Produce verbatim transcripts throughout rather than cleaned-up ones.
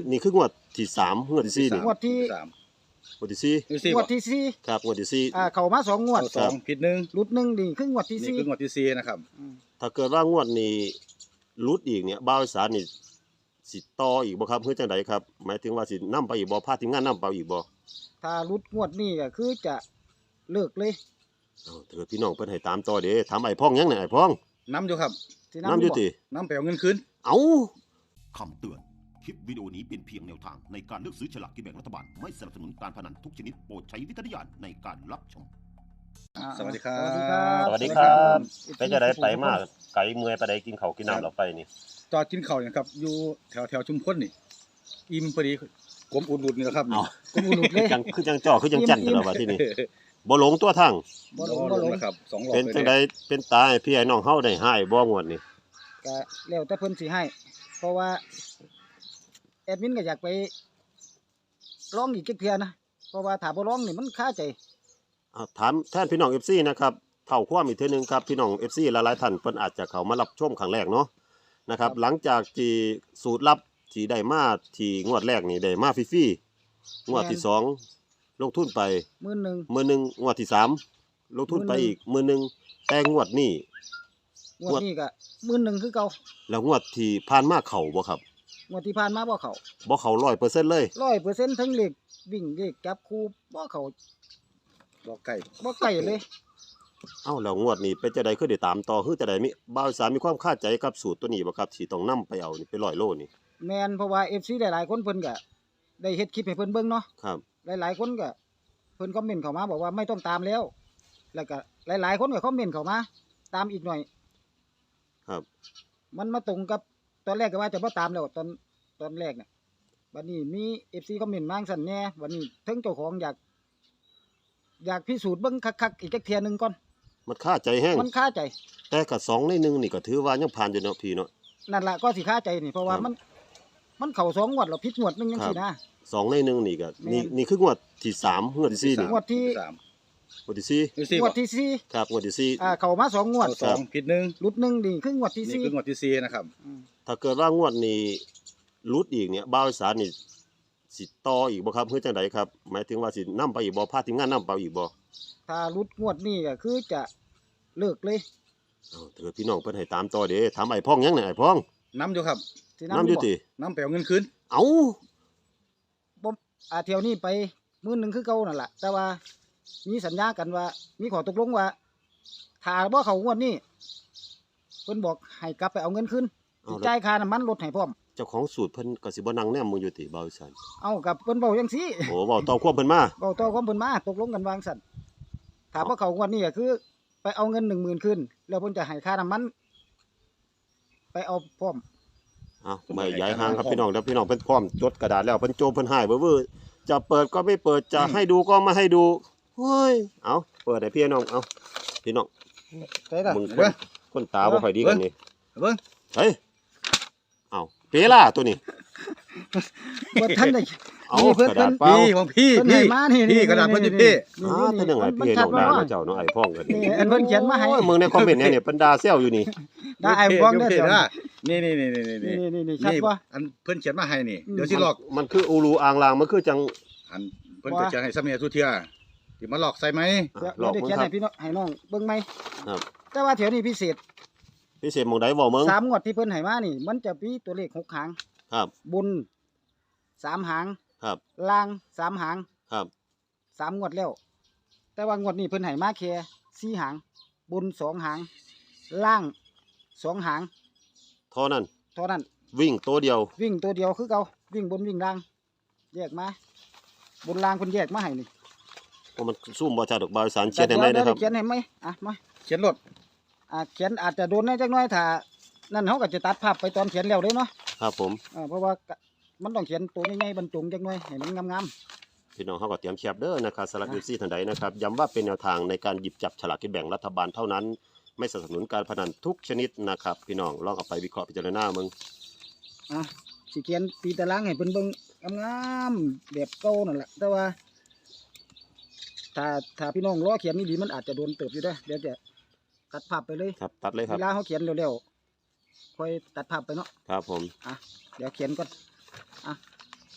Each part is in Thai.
นี่คืองวดที่สามงวดที่สี่นี่งวดที่สามงวดที่สี่งวดที่สี่ครับงวดที่สี่อ่าเข้ามาสองงวดเอาสองผิดหนึ่งหลุดหนึ่งนี่คืองวดที่นี่สี่คืองวดที่สี่นะครับอืมถ้าเกิดว่างวดนี้รุดอีกเนี่ยบ่าวอีสานนี่สิต่ออีกบ่ครับเพื่อจังไดครับหมายถึงว่าสินํไปอีกบ่พาทีมงานนํไปอีกบ่ถ้าหลุดงวดนี้ก็คือจะเลิกเลยเอ้าถ้าเกิดพี่น้องเพิ่นให้ตามต่อเด้ถามไอ้พ่องยังเนี่ยไอ้พ่องน้ำอยู่ครับสินํอยู่ติน้ำไปเอาเงินคืนเอ้าคำเตือน คลิปวิดีโอนี้เป็นเพียงแนวทางในการเลือกซื้อฉลากกินแบ่งรัฐบาล ไม่สนับสนุนการพนันทุกชนิดโปรดใช้วิจารณญาณในการรับชมอ่าสวัสดีครับสวัสดีครับสวัสดีครับสวัสไปจะได้ไปมาไกลเมื่อยไปได้กินข้าวกินน้ำแล้วไปนี่จอดกินข้าวอย่างครับอยู่แถวแถวชุมพลนี่อิ่มพอดีกลมอุ่นๆนี่แหละครับเอ้ากูบ่หลุดเลยจังคือจังจ่อคือจังจันตลอดว่าที่นี่บ่หลงตัวทางบ่หลบ่งลบ่งหลงนะครับสองรอบเป็นเลยจังเนี่ไดยเป็นตาให้พี่ไอ้น้องเฮาได้หายบ่งวดนี่ก็แล้วแต่เพิ่นสิให้ เพราะว่าแอดมินก็อยากไปร้องอีกจักเทื่อนะเพราะว่าถ้าบ่ร้องนี่มันคาใจอ่าถามแทนพี่น้อง เอฟ ซี นะครับเท่าความอีกเทื่อนึงครับพี่น้อง เอฟ ซี หลายๆท่านเพิ่นอาจจะเข้ามารับชมครั้งแรกเนาะนะครับหลังจากที่สูตรลับที่ได้มาที่งวดแรกนี่ได้มาฟรีๆงวดที่สองลงทุนไปมื้อหนึงมื้อหนึงงวดที่สามลงทุนไปอีกมื้อหนึงแต่งวดนี้งวดนี้ก็มื้อหนึงคือเก่าแล้วงวดที่ผ่านมาเข้าบ่ครับงวดที่ผ่านมาบ่เข้าบ่เข้า ร้อยเปอร์เซ็นต์ เลยร้อยเปอร์เซ็นต์ทั้งเลขวิ่งเลขจับคู่บ่เข้าบอกไก่บ่ใกล้เลยเอ้าแล้วงวดนี้เป็นจังได๋คือได้ตามต่อคือจังได๋มีบ่าวสามมีความคาใจกับสูตรตัวนี้บ่ครับที่ต้องนำไปเอานี่ไปร้อยโลนี่แม่นเพราะว่า เอฟ ซี หลายๆคนเพิ่นก็ได้เฮ็ดคลิปให้เพิ่นเบิ่งเนาะครับหลายๆคนก็เพิ่นคอมเมนต์เข้ามาบอกว่าไม่ต้องตามแล้ว แล้วก็หลายๆคนก็คอมเมนต์เข้ามาตามอีกหน่อยครับมันมาตรงกับตอนแรกก็ว่าจะบ่ตามแล้วตอนตอนแรกเนี่ยบัดนี้มี เอฟ ซี คอมเมนต์มาจั่งซั่นแหน่วันนี้เทิงเจ้าของอยาก อยากพิสูจน์เบิ่งคักๆอีกจักเที่ยหนึงก่อนมันคาใจแฮงมันคาใจแต่ก็สองในหนึ่งนี่ก็ถือว่ายังผ่านอยู่เนาะพี่เนาะนั่นล่ะก็สิคาใจนี่เพราะว่าครับมัน มันเข้าสองงวดแล้วผิดงวดหนึงจังซี่นะสองในหนึ่งนี่ก็แม่นนี่นี่คืองวดที่สามงวดที่สี่นี่งวดที่สามงวดที่สี่นี่สี่งวดที่สี่ครับงวดที่สี่อ่าเข้ามาสองงวดเอาสองผิดหนึ่งหลุดหนึ่งนี่คืองวดที่นี่สี่คืองวดที่สี่นะครับอืมถ้าเกิดว่างวดนี้รุดอีกเนี่ยบ่าวอีสานนี่สิต่ออีกบ่ครับเพื่อจังไดครับหมายถึงว่าสินํไปอีกบ่พาทีมงานนํไปอีกบ่ถ้าหลุดงวดนี้ก็คือจะเลิกเลยเอ้าถ้าเกิดพี่น้องเพิ่นให้ตามต่อเด้ถามไอ้พ่องยังเนี่ยไอ้พ่องน้ำอยู่ครับสินํอยู่บ่ติน้ำไปเอาเงินคืนเอ้าบ่อ่าเที่ยวนี้ไปมื้อหนึงคือเก่านั่นล่ะแต่ว่ามีสัญญากันว่า มีข้อตกลงว่าถ้าบ่เข้างวดนี้เพิ่นบอกให้กลับไปเอาเงินคืนเอาสิแล้วจ่ายค่าน้ำมันรถให้พร้อมเจ้าของสูตรเพิ่นก็สิบ่นั่งแนมมึงอยู่ติบ่าวอีสานเอากับเพิ่นเว้าจังซี่โอ้เว้าต่อความเพิ่นมาเว้าต่อความเพิ่นมาตกลงกันวาจั่งซั่นถ้าบ่เข้างวดนี้ก็คือ ไปเอาเงิน หนึ่งหมื่น คืนแล้วเพิ่นจะให้ค่าน้ำมัน ไปเอาพร้อมเอ้าไม่ย้ายห่างครับพี่น้องแล้วพี่น้องเพิ่นพร้อมจดกระดาษแล้วเพิ่นโจมเพิ่นหายเบ้อๆจะเปิดก็ไม่เปิดจะให้ดูก็ไม่ให้ดูเฮ้ยเอาเปิดให้พี่น้องเอาพี่น้องใช่ล่ะมึงคนคนตาบ่ค่อยดีกันนี่เบิ้งเฮ้ยเอาเปล่าตัวนี้บ่ทันได้เอานี่เพิ่นกระดาษเปล่าพี่ของพี่เพิ่นให้พี่มานี่พี่กระดาษเพิ่นอยู่พี่อ้าตัวหนึงไอ้พี่น้องด่ามาเจ้าเนาะไอ้พ่องกันนี่อันเพิ่นเขียนมาให้โอ้ยมึงในคอมเมนต์เนี่ยเนี่ยเพิ่นด่าแซวอยู่นี่ได้ไอ้พวงเด้อเดี๋เดี๋ยยว วนะนี่นี่นี่นี่นี่นี่นี่นี่นี่ชัดบ่อันเพิ่นเขียนมาให้นี่อืมเดี๋ยวสิหลอกมันคืออูรูอ่างลางมันคือจังอันเพิ่นจะจะให้สำเนียงทุเทียสิมาหลอกใส่ไหมเดี๋ยวหลอกเดี๋ยวมึงเขียนครัให้บพี่น้องให้น้องเบิ่งไหมครับแต่ว่าแถวนี้พิเศษพิเศษหมองใดเว้ามึงสามงวดที่เพิ่นให้มานี่ มันจะมีตัวเลขหกหางครับบนสามหางครับล่างสามหางครับสามงวดแล้ว แต่ว่างวดนี้เพิ่นให้มาแค่สี่หาง บนสองหาง ล่างสองหางเท่านั้นเท่านั้นวิ่งตัวเดียววิ่งตัวเดียวคือเก่าวิ่งบนวิ่งล่าง แยกมา บนล่างเพิ่นแยกมาให้นี่เพราะมันซุ่มบ่ชัดดอกบาวอีสานเขียนให้ไหมดี๋วนะครับเขียนให้ไหมอ่ะมาเขียนรถอ่าเขียนอาจจะโดนได้จักหน้อยถ้านั่นเขาก็จะตัดภาพไปตอนเขียนแล้วเด้เนาะครับผมอ่าเพราะว่าก็มันต้องเขียนตัวใหญ่ๆบรรจงจักหน้อยให้มันงามพี่น้องเขาก็เตรียมแคปเด้อนะครับสำหรับยูซี่ท่านใดนะครับย้ำว่าเป็นแนวทางในการหยิบจับฉลากกินแบ่งรัฐบาลเท่านั้น ไม่สนับสนุนการพนันทุกชนิดนะครับพี่น้องลองเอาไปวิเคราะห์พิจารณามึงๆอ่ะสิเขียนตีตารางให้เพิ่นเบิ่งงามๆแบบเก่านั่นแหละแต่ว่า ถ้าถ้าพี่น้องรอเขียนนี่ดีมันอาจจะโดนเติบอยู่เด้อเดี๋ยวจะตัดภาพไปเลยครับตัดเลยคเวรับลาเขาเขียนเร็วๆค่อยตัดภาพไปเนาะครับผมอ่ะเดี๋ยวเขียนก่อนอ่ะ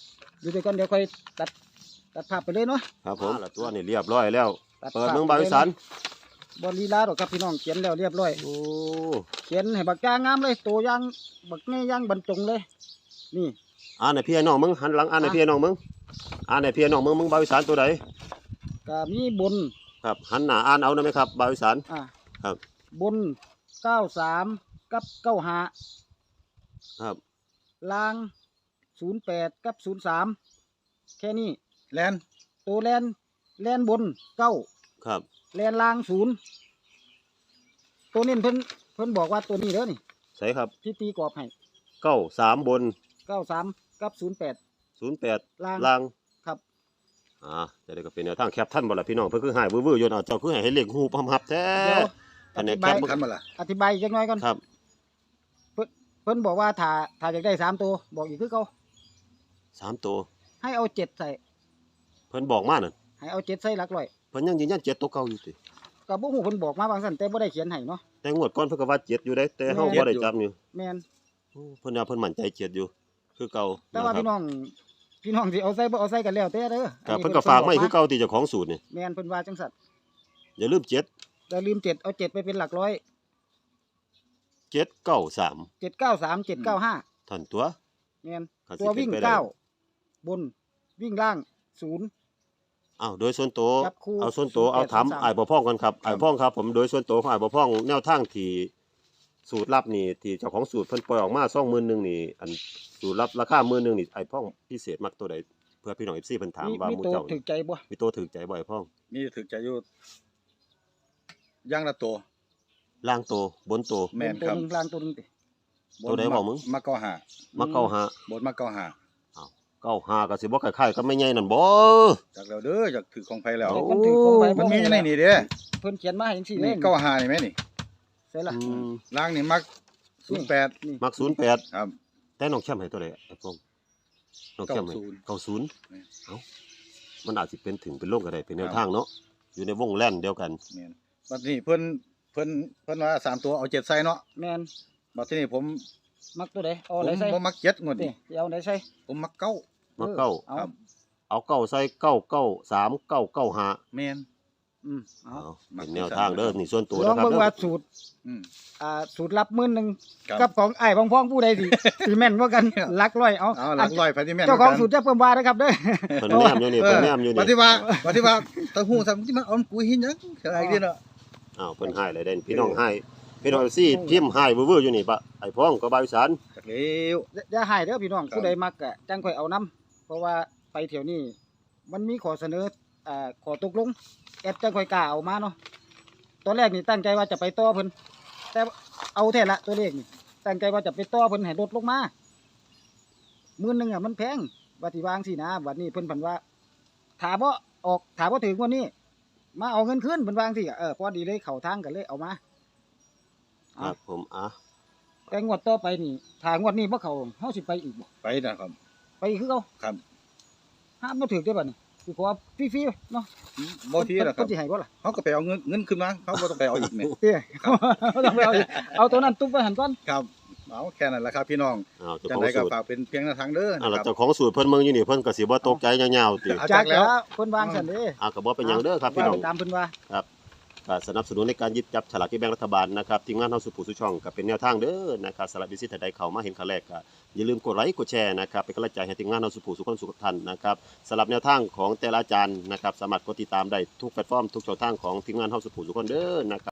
อยู่ด้วยกันเดี๋ยวค่อยตัดตัดภาพไปเลยเนาะครับผมละตัวนี่เรียบร้อยแล้วตัดเปิดภาพเมืองบาวอีสานบอลีลาดอกครับพี่น้องเขียนแล้วเรียบร้อยโอ้เขียนให้บักย่างงามเลยตัวย่างบักแม่ย่างบรรจงเลย นี่อ่านให้พี่ให้น้องมึงหันหลังอ่านให้พี่ให้น้องมึงอ่านให้พี่ให้น้องมึงมึงบาวอีสานตัวใดก็มีบนครับหันหน้าอ่านเอาได้ไหมครับบาวอีสานอ่าครับบนเก้าสามกับเก้าห้าครับล่างศูนย์แปดกับศูนย์สามแค่นี้แลนตัวแลนแลนบนเก้าครับแลนล่างศูนย์ตัวนี้เพิ่นเพิ่นบอกว่าตัวนี้เด้อนี่ใส่ครับที่ตีกรอบให้เก้าสามบนเก้าสามกับศูนย์แปดศูนย์แปดล่างล่างครับอ่าจะได้ก็เป็นแนวทางแคปท่านบ่ล่ะพี่น้องเพิ่นคือหายวื้อๆอยู่เอาเจ้าคือให้เล็กหูพำหับแท้เดี๋ยวอันนี้อธิแคบายปคันมาล่ะอธิบายอีกจักหน่อยก่อนครับเพิ่นบอกว่าถ้าถ้าอยากได้สามตัวบอกอีกคือเขาสามตัวให้เอาเจ็ดใส่เพิ่นบอกมานั่นให้เอาเจ็ดใส่หลักร้อยเพิ่นยังยืนยันเจ็ดตัวเก่าอยู่ติก็บ่ฮู้เพิ่นบอกมาบางซั่นแต่บ่ได้เขียนให้เนาะแต่งวดก่อนเพิ่นก็ว่าเจ็ดอยู่ได้แต่เฮาบ่ได้จำอยู่แม่นโอ้เพิ่นว่าเพิ่นมั่นใจเจ็ดอยู่ คือเก่าแต่ว่าะครับพี่น้องพี่น้องสิเอาใส่บ่เอาใส่กันแล้วแต่เด้อครับอัเพิ่นก็ฝากมาให้คือเก่าที่เจ้าของสูตรนี่แม่นเพิ่นว่าจังซั่นอย่าลืมเจ็ดอย่าลืมเจ็ดเอาเจ็ดไปเป็นหลักร้อยเจ็ดเก้าสามเจ็ดเก้าสาม เจ็ดเก้าห้าท่านตัวแม่นคันสิตัววิ่งป็นไปได้เก้าบนวิ่งล่างศูนย์อ้าวโดยส่วนตัวจับคู่เอาส่วนตัวศูนย์แปดเอาถามสามสามอ้ายบ่พ้องกันครับอ้ายพ้องครับผมโดยส่วนตัวของอ้ายบ่พ้องแนวทางที่สูตรลับนี่ที่เจ้าของสูตรเพิ่นปล่อยออกมาสองหมื่นหนึ่งนี่อันสูตรลับราคาหมื่นหนึ่งนี่อ้ายพ้องพิเศษมักตัวใดเพื่อพี่น้อง เอฟ ซี เพิ่นถามมีว่ามีหมู่ตัวเจ้าถึนี่กใจบ่มีตัวถูกใจบ่อ้ายพ้องมีถึกใจอยู่ย่างละตัวล่างตัวบนตัวแม่นตัวครับหนึงล่างตัวหนึงติตัวใดบอกมึงมาเก้าหามักเก้าห้าบนมาเก้าหาเก้าห้าก็สิบ่คล้ายๆกับไม่ใหญ่นั่นบ่จากแล้วเด้อจากถือของไผแล้วโอ้มันถือของไปมันมีบ่ในนี่เด้อเพิ่นเขียนมาให้จังซี่เลนี่ยเก้าหานี่แม่นี่ใส่ละอืมล่างนี่มักศูนย์แปดนี่มักศูนย์แปดครับแต่น้องแชมป์ให้ตัวใดไอ้พ้องน้องแชมป์ให้เก้าศูนย์เก้าศูนย์ เอ้ามันอาจสิเป็นถึงเป็นโลกก็ได้เป็นแนวทางเนาะอยู่ในวงแล่นเดียวกันแม่นบัดนี้เพิ่นเพิ่นเพิ่นว่าสามตัวเอาเจ็ดใส่เนาะแม่นบัดทีนี้ผมมักตัวใดเอาผอะไรมใส่บ่มักเจ็ดงวดนี่นี้สิเอาไหนใส่ผมมักเก้ามาเก้าเอาครับเอาเก้าใส่เก้าเก้าสามเก้าเก้าห้าแม่นอืมเอาเอาเป็นแนวทางเด้อนี่ส่วนตัวลองนะครับเบิ่งเด้อว่าสูตรอืมอ่าสูตรลับหมื่นหนึงครับกับของอ้ายของพ้องผู้ใดสิ สิแม่นกว่ากันหลักร้อยเอาเอาหลักร้อยไปที่แม่นเจ้าของหมืนกันสูตรจะเพิ่มว่านะครับเด้อเพิ่นแนมอยู่นี่เพิ่นแนมอยู่ปนี่ฏิว่าปฏิว่าตะหูซ้ำที่มันเออนกูหินหยังอะไรเด้เนาะอ้าวเพิ่นให้เลยเด่นพี่น้องให้พี่น้องซี่พิมพ์ให้เว่อร์ๆอยู่นี่ปะไอ้พ้องก็บาวอีสานจักแล้วอย่าให้เด้อพี่น้องครับผู้ใดมักก็จังค่อยเอานํเพราะว่าไปเที่ยวนี้มันมีข้อเสนออ่าข้อตกลงแอดจังค่อยกล้าเอามาเนาะตอนแรกนี่ตั้งใจว่าจะไปต่อเพิ่นแต่เอาแท้ละตัวเลขนี่ตั้งใจว่าจะไปต่อเพิ่นให้ลดลงมาหมื่นหนึงอ่ะมันแพงว่าสิวางสินะบัดนี้เพิ่นเพิ่นว่าถ้าบ่ออกถ้าบ่ถึงวันนี้ มาเอาเงินคืนเพิ่นวาจั่งสิก็เออพอดีเลยเข้าทางกันเลยเอามาครัอ่ะบผมอ่ะแต่งวดต่อไปนี่ถ้างวดนี้บ่เข้าเฮาสิไปอีกบ่ไปนะครับไปอีกคือเก่าครับห้ามบ่ถึกได้อบัดนี้สิขอฟรีๆเนาะบ่ทีแล้วครัเพิ่บนสิให้บ่ล่ะเขาก็ไปเอาเงินเงินขึ้นมาเขาบ่ต้องไปเอาอีกเนี่ยเด้บ่ต้องไปเอาอีกเอาตัวนั้นตุ๊บไว้หั่นก่อนครับเอาแค่นั้นแหละครับพี่น้องอ้าวเจ้าจังของไดก็สูตรฝากเป็นเพียงแนวทางเด้ออ่านะแล้วครับเจ้าของสูตรเพิ่นเมืองอยู่นี่เพิ่นก็สิบ่ตกใจยาวๆติเอาจัจักกแล้แล้ว วเพิ่นวางซั่นเด้อ่าก็บ่เป็นหยังเด้อครับพี่น้องว่าไปตามเพิ่นว่าก็สนับสนุนในการหยิบจับฉลากกินแบ่งรัฐบาลนะครับทีมงานเฮาสุผู้สุช่องก็เป็นแนวทางเด้อนะครับสำหรับวิสิตใดเข้ามาเห็นครั้งแรกก็อย่าลืมกดไลค์กดแชร์นะครับเป็นกำลังใจให้ทีมงานเฮาสุผู้สุขคนสุขท่านนะครับสำหรับแนวทางของแต่ละอาจารย์นะครับสามารถกดติดตามได้ทุกแพลตฟอร์มทุกช่องทางของทีมงานเฮาสุผู้สุขคนเด้อนะครับ